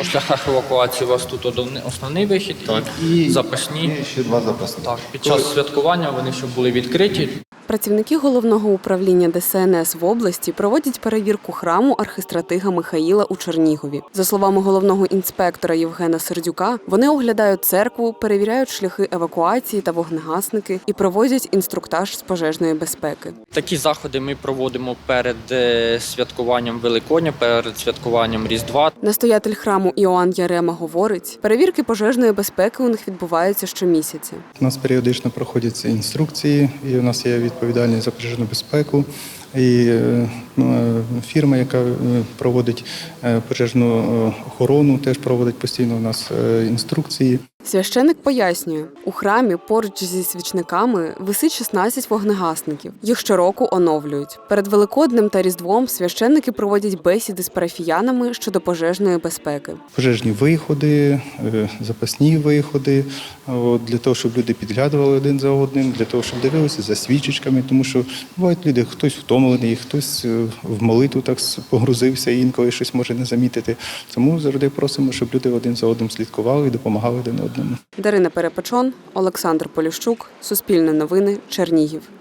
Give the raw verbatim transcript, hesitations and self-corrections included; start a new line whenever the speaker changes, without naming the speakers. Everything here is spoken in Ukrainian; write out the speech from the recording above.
По шляхах евакуації у вас тут один основний вихід
Так.
і запасні.
І ще два запасні.
Так, під час святкування вони щоб були відкриті.
Працівники Головного управління Де Се Ен Ес в області проводять перевірку храму архистратига Михаїла у Чернігові. За словами головного інспектора Євгена Сердюка, вони оглядають церкву, перевіряють шляхи евакуації та вогнегасники і проводять інструктаж з пожежної безпеки.
Такі заходи ми проводимо перед е, святкуванням Великодня, перед святкуванням Різдва.
Настоятель храму Іоанн Ярема говорить, перевірки пожежної безпеки у них відбуваються щомісяця.
У нас періодично проходять інструкції, і у нас є відповідальність за пожежну безпеку. І е, фірма, яка е, проводить е, пожежну охорону, теж проводить постійно у нас е, інструкції.
Священик пояснює, у храмі поруч зі свічниками висить шістнадцять вогнегасників. Їх щороку оновлюють. Перед Великоднем та Різдвом священники проводять бесіди з парафіянами щодо пожежної безпеки.
Пожежні виходи, е, запасні виходи, от, для того, щоб люди підглядували один за одним, для того, щоб дивилися за свічечками, тому що бувають люди, хтось втомлений, хтось в молитву так погрузився, і інколи щось може не замітити. Тому завжди просимо, щоб люди один за одним слідкували і допомагали один одному.
Дарина Перепечон, Олександр Поліщук, Суспільне новини, Чернігів.